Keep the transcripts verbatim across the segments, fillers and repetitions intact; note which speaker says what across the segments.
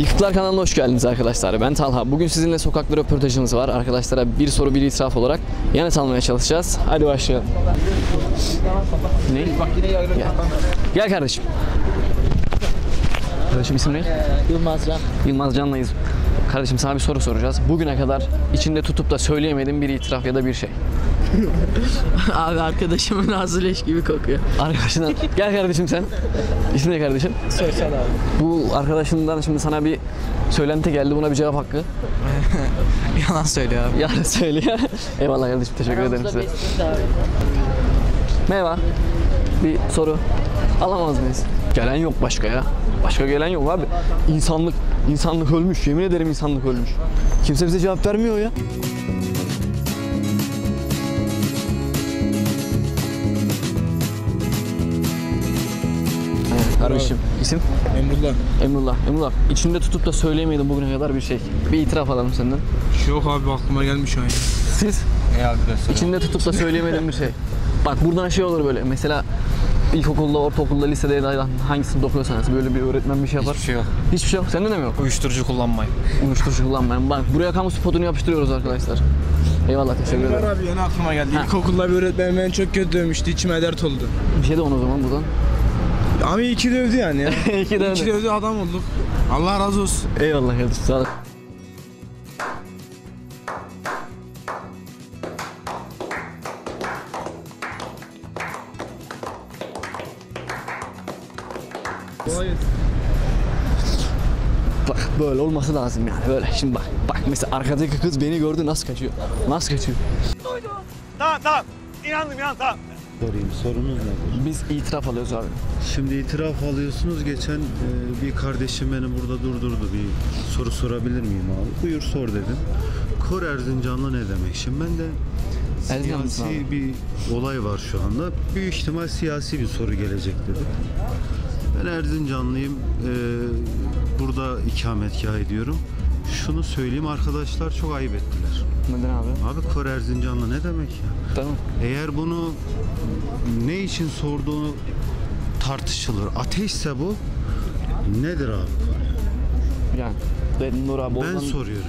Speaker 1: Yıkıklar kanalına hoş geldiniz arkadaşlar. Ben Talha. Bugün sizinle sokakta röportajımız var. Arkadaşlara bir soru bir itiraf olarak yanıt almaya çalışacağız. Hadi başlayalım. Ne? Gel. Gel kardeşim. Kardeşim isim ne?
Speaker 2: Yılmaz Can.
Speaker 1: Yılmaz Can'layız. Kardeşim sana bir soru soracağız. Bugüne kadar içinde tutup da söyleyemediğin bir itiraf ya da bir şey.
Speaker 2: Abi arkadaşımın ağzı leş gibi kokuyor.
Speaker 1: Arkadaşından. Gel kardeşim sen. İsim ne kardeşim?
Speaker 2: Soysal abi.
Speaker 1: Bu arkadaşından şimdi sana bir söylenti geldi. Buna bir cevap hakkı.
Speaker 2: Yalan söylüyor abi.
Speaker 1: Yarın söylüyor. Eyvallah kardeşim, teşekkür ederim size. Merhaba. Bir soru alamaz mıyız? Gelen yok başka ya. Başka gelen yok abi. İnsanlık, insanlık ölmüş. Yemin ederim insanlık ölmüş. Kimse bize cevap vermiyor ya. Kardeşim, isim?
Speaker 3: Emrullah.
Speaker 1: Emrullah. Emrullah, içinde tutup da söyleyemedin bugüne kadar bir şey. Bir itiraf alalım senden.
Speaker 3: Yok abi aklıma gelmiş şu an.
Speaker 1: Siz?
Speaker 3: Ey arkadaşlar.
Speaker 1: İçinde tutup da söyleyemediğin bir şey. Bak buradan şey olur böyle. Mesela ilkokulda, ortaokulda, lisede ya da hangisini okuyorsanız böyle bir öğretmen bir şey yapar.
Speaker 3: Hiçbir şey yok.
Speaker 1: Hiçbir şey yok. Sende de mi yok?
Speaker 3: Uyuşturucu kullanmayın.
Speaker 1: Uyuşturucu kullanmayın. Bak buraya kamu spotunu yapıştırıyoruz arkadaşlar. Eyvallah, teşekkür ederim.
Speaker 3: abi yeni aklıma geldi. İlkokulda bir öğretmen beni çok kötü dövmüştü. İçime dert oldu.
Speaker 1: Bir şey de onu o zaman buradan.
Speaker 3: Abi iki dövdü yani ya.
Speaker 1: İki de
Speaker 3: İki dövdü adam olduk. Allah razı olsun.
Speaker 1: Eyvallah kardeşim, sağ ol. Bak böyle olması lazım yani, böyle. Şimdi bak, bak mesela arkadaki kız beni gördü, nasıl kaçıyor? Nasıl kaçıyor?
Speaker 4: Tamam tamam. İnandım inan tamam.
Speaker 5: Sorayım, sorunuz nedir?
Speaker 1: Biz itiraf alıyoruz abi.
Speaker 5: Şimdi itiraf alıyorsunuz. Geçen e, bir kardeşim beni burada durdurdu. Bir soru sorabilir miyim abi? Buyur sor dedim. Kor Erzincanlı ne demek? Şimdi ben de
Speaker 1: Erzincanlı mısın
Speaker 5: siyasi bir olay var şu anda. Büyük ihtimal siyasi bir soru gelecek dedim. Ben Erzincanlıyım. E, burada ikametgah ediyorum. Şunu söyleyeyim, arkadaşlar çok ayıp ettiler.
Speaker 1: Neden abi?
Speaker 5: Abi Kor Erzincanlı ne demek ya?
Speaker 1: Tamam.
Speaker 5: Eğer bunu ne için sorduğunu tartışılır. Ateşse bu nedir abi?
Speaker 1: Yani ben Nur abi
Speaker 5: Ben
Speaker 1: oradan...
Speaker 5: soruyorum.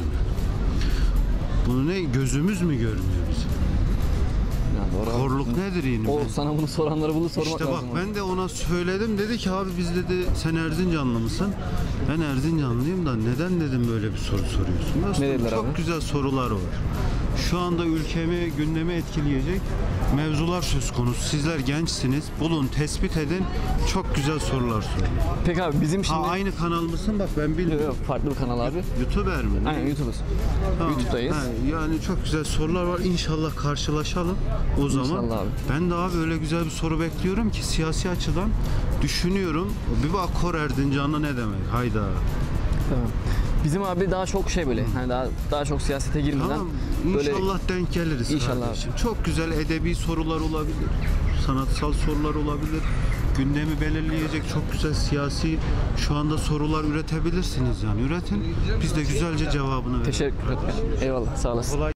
Speaker 5: Bunu ne gözümüz mü görmüyor bizim?
Speaker 1: Yani Nur abi-
Speaker 5: Korluk nedir yine?
Speaker 1: O
Speaker 5: Ben-
Speaker 1: sana bunu soranları bunu sormak
Speaker 5: İşte bak
Speaker 1: lazım.
Speaker 5: ben de ona söyledim, dedi ki abi biz dedi sen Erzincanlı mısın? Ben Erzincanlıyım da neden dedim böyle bir soru soruyorsun? Dostum,
Speaker 1: dediler
Speaker 5: çok
Speaker 1: abi?
Speaker 5: güzel sorular var. Şu anda ülkemi, gündemi etkileyecek mevzular söz konusu. Sizler gençsiniz. Bulun, tespit edin. Çok güzel sorular sorun.
Speaker 1: Peki abi bizim şimdi...
Speaker 5: Ha aynı kanal mısın? Bak ben
Speaker 1: Yok,
Speaker 5: bilmiyorum.
Speaker 1: yok, farklı bir kanal abi.
Speaker 5: YouTuber mi?
Speaker 1: Aynen, YouTube'uz.
Speaker 5: Tamam.
Speaker 1: YouTube'dayız.
Speaker 5: Ha, yani çok güzel sorular var. İnşallah karşılaşalım o zaman.
Speaker 1: İnşallah abi.
Speaker 5: Ben de abi öyle güzel bir soru bekliyorum ki siyasi açıdan düşünüyorum. Bir bak Kor Erzincanlı ne demek? Hayda.
Speaker 1: Tamam. Bizim abi daha çok şey böyle, hani daha daha çok siyasete girmeden
Speaker 5: Tamam.
Speaker 1: böyle
Speaker 5: İnşallah denk geliriz
Speaker 1: İnşallah
Speaker 5: kardeşim. Çok güzel edebi sorular olabilir. Sanatsal sorular olabilir. Gündemi belirleyecek çok güzel siyasi şu anda sorular üretebilirsiniz yani. Üretin. Biz de güzelce cevabını verelim.
Speaker 1: teşekkür ederim. Eyvallah, sağ olasın.
Speaker 5: Kolay.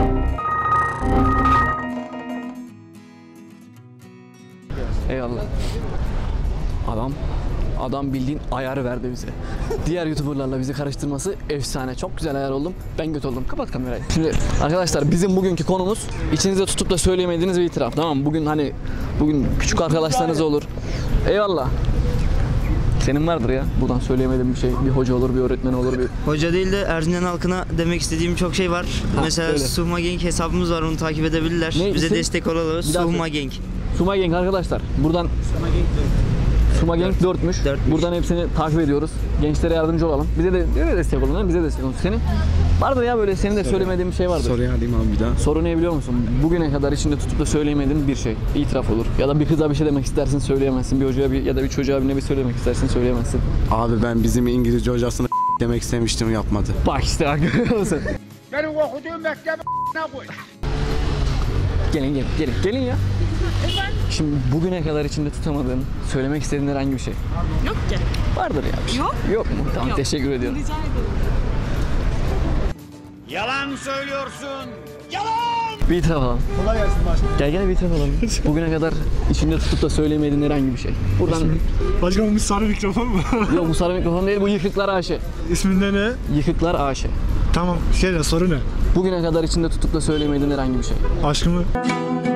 Speaker 1: Eyvallah. Adam Adam bildiğin ayarı verdi bize. Diğer YouTuber'larla bizi karıştırması efsane. Çok güzel ayar oldum. Ben kötü oldum. Kapat kamerayı. Şimdi arkadaşlar bizim bugünkü konumuz içinizde tutup da söyleyemediğiniz bir itiraf. Tamam mı? Bugün hani bugün küçük arkadaşlarınız olur. Eyvallah. Senin vardır ya. Buradan söyleyemediğin bir şey. Bir hoca olur, bir öğretmen olur, bir...
Speaker 2: Hoca değil de Erzincan halkına demek istediğim çok şey var.
Speaker 1: Ha,
Speaker 2: Mesela
Speaker 1: öyle.
Speaker 2: Suhma Gang hesabımız var, onu takip edebilirler.
Speaker 1: Ne
Speaker 2: Bize
Speaker 1: isim?
Speaker 2: destek olalım.
Speaker 1: Bir daha
Speaker 2: Suhma
Speaker 1: söyle.
Speaker 2: Gang.
Speaker 1: Suma Gang arkadaşlar. Buradan Suma Gang dörtmüş.
Speaker 2: Dörtmüş.
Speaker 1: Buradan hepsini takip ediyoruz. Gençlere yardımcı olalım. Bize de öyle destek olun. Değil mi? Bize destek olun. Senin vardır ya böyle senin de söylemediğin bir şey vardır.
Speaker 3: Soruyu alayım abi bir daha.
Speaker 1: Soru ne biliyor musun? Bugüne kadar içinde tutup da söyleyemediğin bir şey. İtiraf olur. Ya da bir kıza bir şey demek istersin, söyleyemezsin. Bir hocaya bir, ya da bir çocuğa bir ne bir söylemek istersin, söyleyemezsin.
Speaker 6: Abi ben bizim İngilizce hocasını demek istemiştim, yapmadı.
Speaker 1: Bak işte bak, görüyor musun?
Speaker 4: Benim okuduğum mektebe ne koy?
Speaker 1: Gelin gelin gelin gelin ya. Şimdi bugüne kadar içinde tutamadığın, söylemek istediğin herhangi bir şey.
Speaker 7: Yok ki.
Speaker 1: Vardır ya bir şey.
Speaker 7: Yok.
Speaker 1: Yok mu? Tamam,
Speaker 7: Yok.
Speaker 1: teşekkür ediyorum.
Speaker 7: Rica ederim.
Speaker 4: Yalan söylüyorsun. Yalan!
Speaker 1: Bir itiraf alalım.
Speaker 7: Kolay gelsin başkanım.
Speaker 1: Gel gel bir itiraf alalım. Bugüne kadar içinde tutup da söyleyemediğin herhangi bir şey. Buradan...
Speaker 7: Başkanım bu sarı mikrofon mu?
Speaker 1: Yok bu sarı mikrofon değil, bu Yıkıklar A Ş.
Speaker 7: İsminde ne?
Speaker 1: Yıkıklar A Ş.
Speaker 7: Tamam şey ne soru ne?
Speaker 1: Bugüne kadar içinde tutup da söyleyemediğin herhangi bir şey.
Speaker 7: Aşkımı